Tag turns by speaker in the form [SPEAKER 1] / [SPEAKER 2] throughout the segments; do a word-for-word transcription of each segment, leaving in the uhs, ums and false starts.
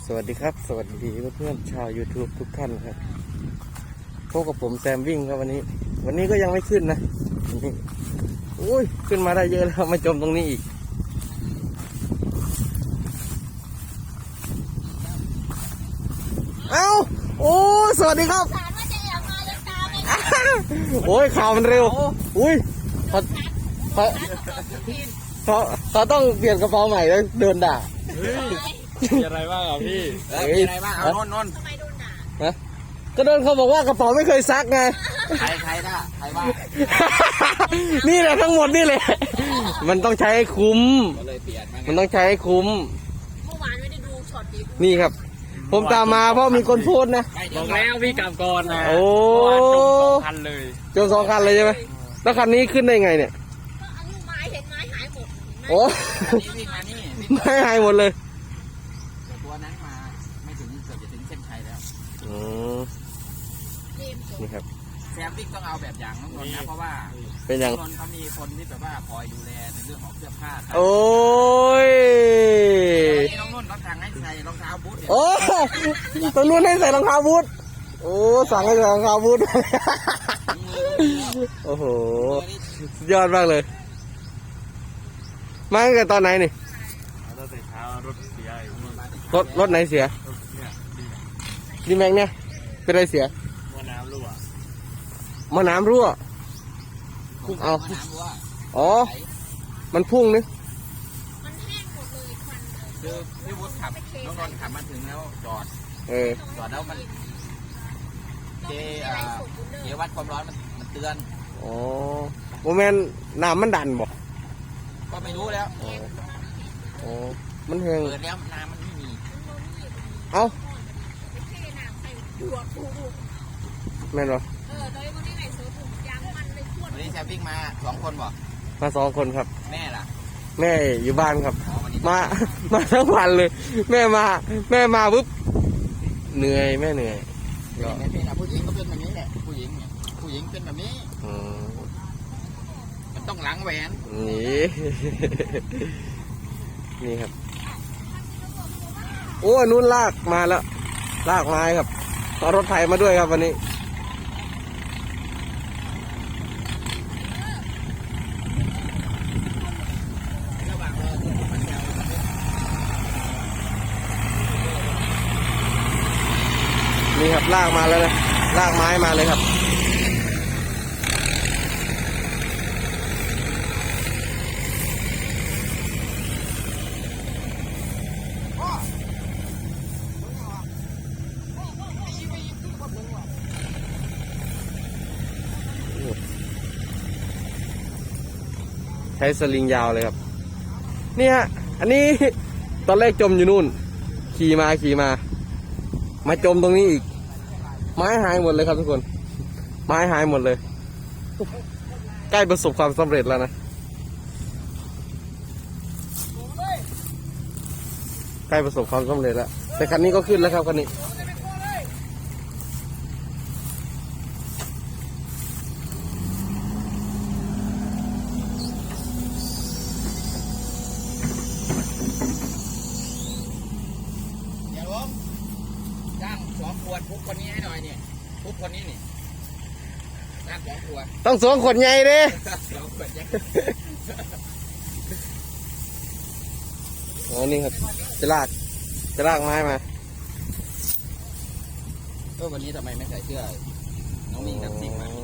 [SPEAKER 1] สวัสดีครับสวัสดีเพื่อนๆชาว YouTube ทุกท่านครับพบกับผมแซมวิ่งครับวันนี้ วันนี้ก็ยังไม่ขึ้นนะนี่อุ้ยขึ้นมาได้เยอะแล้วมาจมตรงนี้อีกเอ้าโอ้สวัสดีครับโอ้ยข่าวมันเร็วอุ้ยเขาเขาเขาเขาต้องเปลี่ยนกระเป๋าใหม่แล้วเดินด่า
[SPEAKER 2] มีอะไรบ้างอ่ะพี่มีอะไรบ้างเอานนนนทำไมโดนด่าฮะ
[SPEAKER 1] ก็โดนเขาบอกว่ากระเป๋าไม่เคยซักไง
[SPEAKER 2] ใครใครด่าใครว่า
[SPEAKER 1] นี่แหละทั้งหมดนี่แหละมันต้องใช้ให้คุ้มมันต้องใช้ให้คุ้ม
[SPEAKER 3] เมื่อวานไม่ได้ดูช็อตดิ
[SPEAKER 1] นี่ครับผมตามมาเพราะมีคนโพสนะ
[SPEAKER 2] บอกแล้วพี่กลับก่อนนะ
[SPEAKER 1] โอ้
[SPEAKER 2] จมสองคันเลย
[SPEAKER 1] จมสองคันเลยใช่ไหมแล้วคันนี้ขึ้นได้ไงเนี่ย
[SPEAKER 3] ก็เอาลูกไม้เห็นไม้หายหมด
[SPEAKER 1] โอ้ไม้หายหมดเลย
[SPEAKER 2] ตัวนั้นมาไม่ถึงเกือบจะถึงเส้นชัยแล้ว
[SPEAKER 1] อืมนี่ครับ
[SPEAKER 2] แซมวิ่งต้องเอาแบบอย่างน้องนนท์นะเพราะว่า
[SPEAKER 1] เป็นอย่าง
[SPEAKER 2] น้องนนท์เขามีคนที่แบบว่าคอยดูแลในเรื่องของเสื้อผ้า
[SPEAKER 1] โอ้ย
[SPEAKER 2] น้องนนท์เขาสั่งให้ใส่รองเท้าบูท
[SPEAKER 1] โอ้ตรงนู้นให้ใส่รองเท้าบูทโอ้สั่งให้ใส่รองเท้าบูทโอ้โหยอดมากเลยมาตั้งแต่ตอนไหนนี่
[SPEAKER 2] รถเท้ารถเสีย
[SPEAKER 1] รถรถไหนเสียดีแม็กเนี่ยเป็นอะไรเสีย
[SPEAKER 2] มะน้ำรั่ว
[SPEAKER 1] มะน้ำรั่วเอาอ๋อมันพุ่งนึก
[SPEAKER 3] มันแห้งหมดเลยควัน
[SPEAKER 2] คือพี่วุฒิขับน้องนนท์ขับมาถึงแล้วจอด
[SPEAKER 1] เออ
[SPEAKER 2] จอดแล้วมันเจเจวัดความร้อนมันมันเตือน
[SPEAKER 1] อ๋อโมเมนต์น้ำมันดันบ่
[SPEAKER 2] ก็ไม่รู้แล้ว
[SPEAKER 1] โอ้มันแห้ง
[SPEAKER 2] เปิดแล้วน้ำมันไม่มี
[SPEAKER 1] เอ้าแม่นบ่
[SPEAKER 3] เออโดยวันนี้ไหนเสือถุงยางมันเลยขวด
[SPEAKER 2] วันนี้แซมวิ่งมาสองคนบ่
[SPEAKER 1] มาสองคนครับ
[SPEAKER 2] แม่ล่ะ
[SPEAKER 1] แม่อยู่บ้านครับมามาทั้งวันเลยแม่มาแม่มาปุ๊บเหนื่อยแม่เหนื่อย
[SPEAKER 2] ก็แม่เป็นผู้หญิงก็เป็นแบบนี้แหละผู้หญิงเนี่ยผู้หญิงเป็นแบบนี้มันต้องล้างแหวน
[SPEAKER 1] นี่นี่ครับโอ้นุ่นลากมาแล้วลากไม้ครับเอารถไถมาด้วยครับวันนี้นี่ครับลากมาแล้วนะลากไม้มาเลยครับใช้สลิงยาวเลยครับนี่ฮะอันนี้ตอนแรกจมอยู่นู่นขี่มาขี่มามาจมตรงนี้อีกไม้หายหมดเลยครับทุกคนไม้หายหมดเลยใกล้ประสบความสำเร็จแล้วนะใกล้ประสบความสำเร็จแล้วแต่คันนี้ก็ขึ้นแล้วครับคันนี้
[SPEAKER 2] จ้างสองขวดทุกคนนี้ให้หน่อยเนี่ยทุกคนนี้นี่จ้างสองขวด
[SPEAKER 1] ต้องสองขวดใหญ่เด้
[SPEAKER 2] สองขวดใหญ่
[SPEAKER 1] อ๋อนี่ครับจะลากจะลากไม้มา
[SPEAKER 2] ก็วันนี้ทำไมไม่ใส่เสื้อน้องมีน้ำซิ่งมา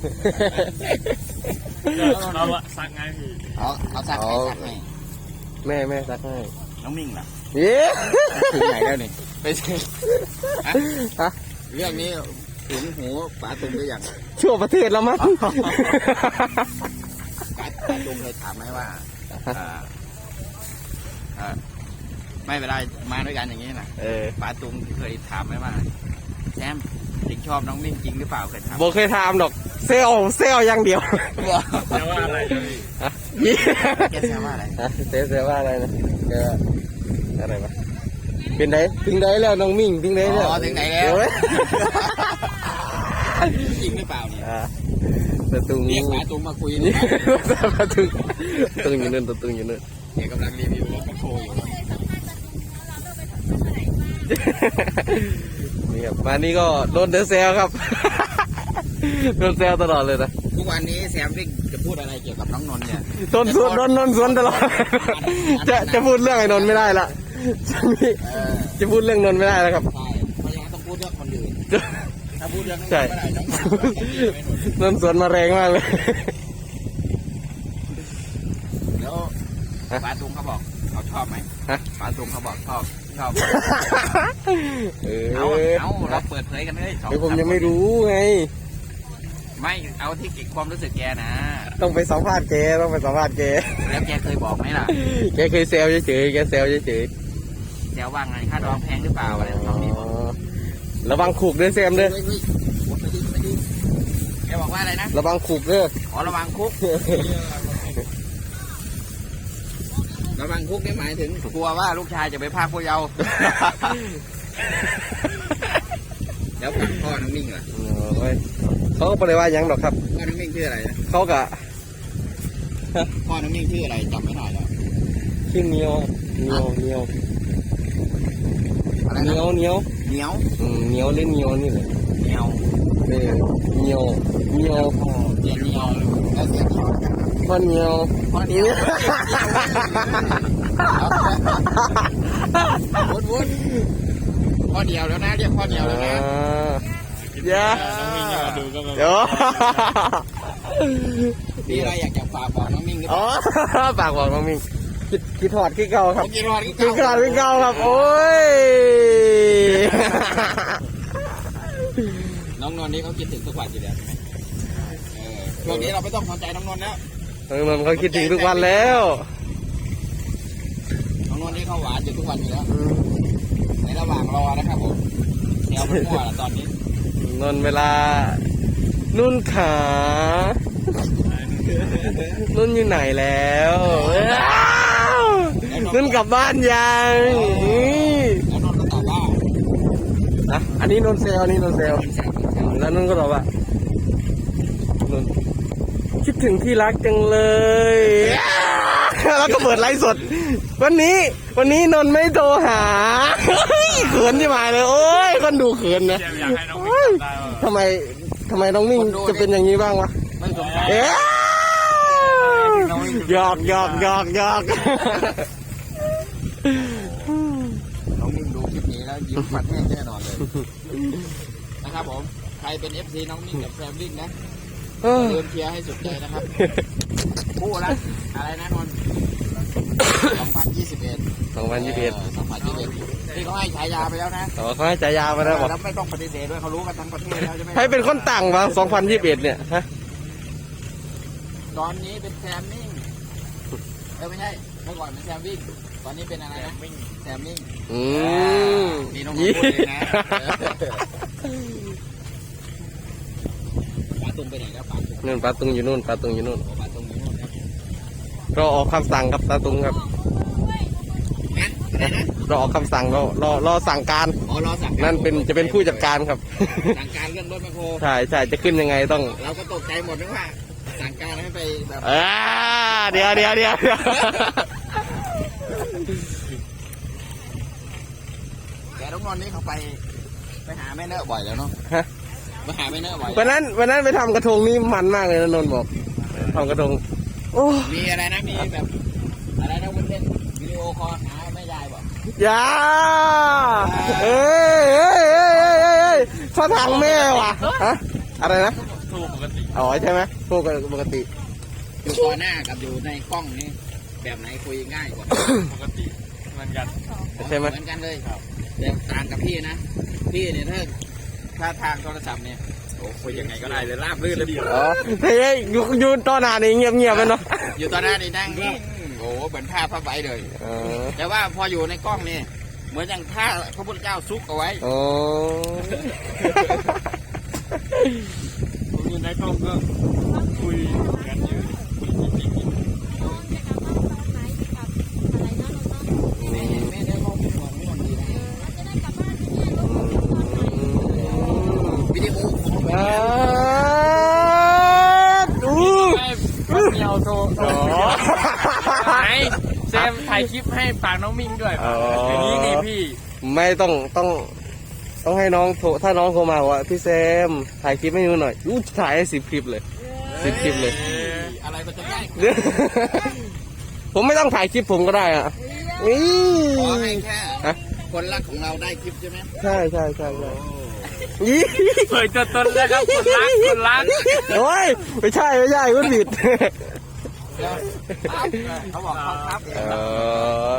[SPEAKER 2] เราซักไงพี่เอาเอาซักให้ซักให้
[SPEAKER 1] แม่แม่ซักให้
[SPEAKER 2] น้องมิ่งล่ะ
[SPEAKER 1] เอ๊ะ
[SPEAKER 2] ถึงไหนแล้วนี่ไปฮะเรื่องนี้ถึงหูป๋าตุงหรือยัง
[SPEAKER 1] ชั่วประเทศแล้วมั้ง
[SPEAKER 2] ป๋าป๋าตุงเคยถามไหมว่าไม่เวลามาด้วยกันอย่างนี้นะป๋าตุงเคยถามไหมว่าแซมจริงชอบน้องมิ่งจริงหรือเปล่าเคยถาม
[SPEAKER 1] บอกเคยถามดอกเซลเซลอย่างเดียว
[SPEAKER 2] แซวว่าอะไรแกแซวว่าอะไร
[SPEAKER 1] เซลเซลว่าอะไรนะแกอะไรวะเป็นไหนถึงไหนแล้วน้องมิ่งถึงไหนแล้ว
[SPEAKER 2] ถึงไหนแล้วจริงหรือเปล่าเนี่ย
[SPEAKER 1] ตะตุง
[SPEAKER 2] เรียกป๋าตุงมาคุยนี่
[SPEAKER 1] ตะตุงตะตุงอยู่นั่นตะตุงอยู่นั่น
[SPEAKER 2] เดี๋ยวกำลังรีวิวรถกระโชว์อยู่
[SPEAKER 1] นี่ครับมานี่ก็โดนเดอะเซลครับ โดนเซลตลอดเลยนะ
[SPEAKER 2] ทุกวันนี้แซมวิ่งจะพูดอะไรเกี่ยวกับน้องนนท์เนี่ย
[SPEAKER 1] โดนสวนโดนนนสวนตลอด จะจะพูดเรื่องไอ้นนท์ไม่ได้ละจะมี
[SPEAKER 2] เออ
[SPEAKER 1] จะพูดเรื่องนนท์ไม่ได้แล้วครับ
[SPEAKER 2] ใช่เพราะฉะนั้นต้องพูดเรื่องคนอื่นถ้าพูดเรื่องนั้น
[SPEAKER 1] ใช่
[SPEAKER 2] ไม่ได้น้องนนท์ก็จะดีไม่หนุน
[SPEAKER 1] นนท์สวนมาแรงมากเลย
[SPEAKER 2] แล้วป้าตุงเขาบอกเขาชอบไหม
[SPEAKER 1] ฮะ
[SPEAKER 2] ป้าตุงเขาบอกชอบชอบ
[SPEAKER 1] เออ
[SPEAKER 2] เอาเอาเราเปิดเผยกันเลยสอง
[SPEAKER 1] เดี๋ยวผมยังไม่รู้ไง
[SPEAKER 2] ไม่เอาที่ความรู้สึกแกนะ
[SPEAKER 1] ต้องไปสัมภาษณ์แกต้องไปสัมภาษณ์แก
[SPEAKER 2] แล้วแกเคยบอกไหมล่ะ
[SPEAKER 1] แกเคยเซลเฉยๆแกเซลเฉย
[SPEAKER 2] แกว่าไงค่าดองแพงหรือเปล่าอะไร
[SPEAKER 1] ๆ
[SPEAKER 2] น้องนี่บอก
[SPEAKER 1] ระวังขูกด้วยแซมเด้อ
[SPEAKER 2] เฮ้ยเฮ้ยวนไปดิไปดิแกบอกว่าอะไรนะ
[SPEAKER 1] ระวังขูกเด้อ
[SPEAKER 2] อ๋อระวังคุก ระวังคุกนี่หมายถึงกลัวว่าลูกชายจะไปพรากผู้เยาว์ แล้วพ่อน้องมิ่งล่ะ
[SPEAKER 1] โอ้ยเขาก็ไม่ได้ว่าหยังหรอกครับ
[SPEAKER 2] พ่อน้องมิ่งชื่ออะไรนะ
[SPEAKER 1] เขากะ
[SPEAKER 2] พ่อน้องมิ่งชื่ออะไรจำไม่ได้แล้ว
[SPEAKER 1] ชื่อเนียวเนียวเนียว
[SPEAKER 2] อะไร
[SPEAKER 1] เนี
[SPEAKER 2] นะ
[SPEAKER 1] ยวเนียว
[SPEAKER 2] เหนียว
[SPEAKER 1] อืมเนียวเล่นเนียวนี่แหละ
[SPEAKER 2] เหนียว
[SPEAKER 1] เออเนียวเนียว
[SPEAKER 2] เสียเหนียวแล้วเสียเหนียว
[SPEAKER 1] พ่อเนียว
[SPEAKER 2] พ่อเหนียววุ้นวุ้นพ่อเหนียวแล้วนะเรียกพ่อเหนียวแล้วนะ
[SPEAKER 1] อ่าอย่า
[SPEAKER 2] น้องมิ่งอย่ามาดูก็มา
[SPEAKER 1] เดี๋ยว
[SPEAKER 2] มีอะไรอยากจะฝากบอกน้องมิ่งหรือเป
[SPEAKER 1] อ๋อ
[SPEAKER 2] ล่า
[SPEAKER 1] ฝากบอกน้องมิงคิดคิดถอดคิดเก่าครับ
[SPEAKER 2] ผมกินรอด
[SPEAKER 1] คิดเก่าคิดเก่าครับ โอ้ย
[SPEAKER 2] น้องนนท์นี่เขาคิดถึงทุกวันอยู่แล้วใช่ไหมเออช่วงนี้เราไม่ต้องสนใจน้องนนท์แล้ว
[SPEAKER 1] เออมันเขาคิดถึงทุกวันแล้ว
[SPEAKER 2] น้องนนท์นี่เขาหวานอยู่ทุกวันอยู่แล้ว ในระหว่างรอนะครับผมแนวมันมั่วแล้วตอนนี้
[SPEAKER 1] นนเวลา นุ่นขา นุ่นอยู่ไหนแล้วอ้าวนุ่นกลับบ้านยังนี่
[SPEAKER 2] แล้วนนท์ก็ตอบว่า
[SPEAKER 1] นะอันนี้นนเซลอันนี้นนเซล
[SPEAKER 2] เป็นแสบเป็นแสบ
[SPEAKER 1] แล้วนุ่นก็ตอบว่านนคิดถึงที่รักจังเลย แล้วก็เปิดไลฟ์สด วันนี้ วันนี้นนไม่โทรหา เขินที่หมายเลย โอ้ยคนดูเขินนะ
[SPEAKER 4] อยากให้น้องมิ่งจำได้ว่า
[SPEAKER 1] ทำไมทำไมน้องมิ่งจะเป็นอย่างนี้บ้างวะ
[SPEAKER 2] ไม่สงสัย
[SPEAKER 1] เอ๊ะหยอกหยอกหยอกหยอก
[SPEAKER 2] น้องมิ่งดูคลิปนี้แล้วยิ้มฟันแห้งแน่นอนเลยนะครับผมใครเป็น เอฟ ซี น้องมิ่งกับแซมวิ่งนะอย่าลืมเชียร์ให้สุดใจนะครับคู่ละอะไรนะนนท์สองพันยี่สิบเอ็ด
[SPEAKER 1] สองพันยี่สิบเอ็ด
[SPEAKER 2] สองพันยี่สิบเอ็ดที่เขาให้ฉายาไปแล้วนะ
[SPEAKER 1] อ๋อเขาให้ฉายามาแล้วบอก
[SPEAKER 2] แล้วไม่ต้องปฏิเสธด้วยเขารู้กันทั้งประเทศแล้วใช่ไหม
[SPEAKER 1] ให้เป็นคนต่างวะสองพันยี่สิบเอ็ดเนี่ยฮะ
[SPEAKER 2] ตอนนี้เป็นแซมมิ่งเออไม่ใช่เมื่อก่อนเป็นแซมวิ่งตอนนี้เป็นอะไรนะแซมมิ่ง
[SPEAKER 1] อืม
[SPEAKER 2] นี่น้องพูดเองนะปาตุงไปไหนแล้วปาตุง
[SPEAKER 1] นู่นปลาตุงอยู่นู่นปลาตุงอยู่นู่น
[SPEAKER 2] ปาตุงอยู่นู่นครับ
[SPEAKER 1] รอออกคำสั่งครับปลาตุงครับ
[SPEAKER 2] งั้นอะไรนะ
[SPEAKER 1] รอออกคำสั่งรอรอรอสั่งการ
[SPEAKER 2] อ๋อรอสั่ง
[SPEAKER 1] นั่นเป็นจะเป็นผู้จัดการครับ
[SPEAKER 2] สั่งการเรื่องรถแมคโคร
[SPEAKER 1] ใช่ใช่จะขึ้นยังไงต้อง
[SPEAKER 2] เราก็ตกใจหมดนึกว่าสั่งการให้ไปแบบ
[SPEAKER 1] อ่าเดี๋ยวเดี๋ยวเดี๋ยวเดี๋ยว
[SPEAKER 2] แกต้องนอนนี่เขาไปไปหาแม่เนอะบ่อยแล้วเนาะ
[SPEAKER 1] ฮะ
[SPEAKER 2] ไปหาแม่เนอะบ่อย
[SPEAKER 1] วันนั้นวันนั้นไปทำกระทงนี่มันมากเลยนะนนท์บอกทำกระทงโอ้
[SPEAKER 2] มีอะไรนะมีแบบอะไรนะวุ้นเส้นวิดีโอคอลหาแม่ยายบอก
[SPEAKER 1] ยาเอ้ยเอ้ยเอ้ยเอ้ยเอ้ยเอ้ยท่าทางแม่ว่ะฮะอะไรนะ
[SPEAKER 4] ถูกปกติ
[SPEAKER 1] อ๋อใช่ไหมพวกปกติ
[SPEAKER 2] อยู่ต่อหน้ากับอยู่ในกล้องนี่แบบไหนคุยง่ายกว่า
[SPEAKER 4] ปกติเหมือนกัน
[SPEAKER 1] ใช่ไหม
[SPEAKER 2] เหมือนกันเลยแต่ต่างกับพี่นะพี่เนี่ยถ้าถ้าทางโทรศัพท์เนี่ยโอ้คุยยังไงก็ได้เลยราบรื่นเลย
[SPEAKER 1] อ๋อเฮ้ยอยู่อยู่ตอนหน้านี่เงียบเงียบไปเนาะ
[SPEAKER 2] อยู่ต่อหน้านี่นั่งนิ่งโอ้เหมือนผ้าผ้าใบเลย
[SPEAKER 1] อ๋อ
[SPEAKER 2] แต่ว่าพออยู่ในกล้องนี่เหมือนอย่างผ้าพระพุทธเจ้าซุกเอาไว้
[SPEAKER 1] อ๋อ
[SPEAKER 4] ผมอยู่ในกล้องก็คุยกันอยู่
[SPEAKER 3] น้องจะกลับบ้านตอนไหนจะกลับอะไรนะเราต้อง
[SPEAKER 2] แม่แม่ได้ข้อมูลของนี่มันดีนะ
[SPEAKER 3] เออแล้วจะได้กลับบ้านเนี่ยเราต้องกลับตอนไหน
[SPEAKER 2] วิดีโอของ
[SPEAKER 1] อ่าดู
[SPEAKER 4] ไม่เดียวโทร
[SPEAKER 1] อ๋อ
[SPEAKER 4] ไหนแซมถ่ายคลิปให้ฝากน้องมิ่งด้วย
[SPEAKER 1] อ๋อ
[SPEAKER 4] อย่างนี้นี่พี่
[SPEAKER 1] มไม่ต้องต้องต้องให้น้องโทรถ้าน้องโทรมาบอกว่าพี่แซมถ่ายคลิปให้ดูหน่อยอู้ถ่ายให้สิบคลิปเลยสิบคลิปเลย
[SPEAKER 2] อะไรมันจะง่าย
[SPEAKER 1] เดี๋ยวผมไม่ต้องถ่ายคลิปผมก็ได้อ่ะนี่
[SPEAKER 2] ขอให้แค่
[SPEAKER 1] ฮะ
[SPEAKER 2] คนรักของเราได้คลิปใช่ไหม
[SPEAKER 1] ใช่ใช่ใช่ใช่ยี่
[SPEAKER 4] เผยตัวตนแล้วครับคนรักคนรัก
[SPEAKER 1] โอ้ยไม่ใช่ไม่ใช่คุณผิด
[SPEAKER 2] เดี๋ยวเขาบอกเขาครับ
[SPEAKER 1] เออ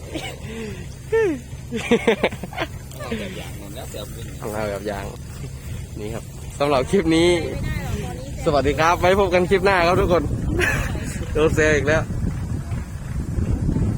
[SPEAKER 2] เอาแบบอย่างนั้นแล้วเดี๋ยวเป็น
[SPEAKER 1] ของเราแบบอย่างนี่ครับสำหรับคลิปนี้ สวัสดีครับไว้พบกันคลิปหน้าครับทุกคนโดนเซลอีกแล้ว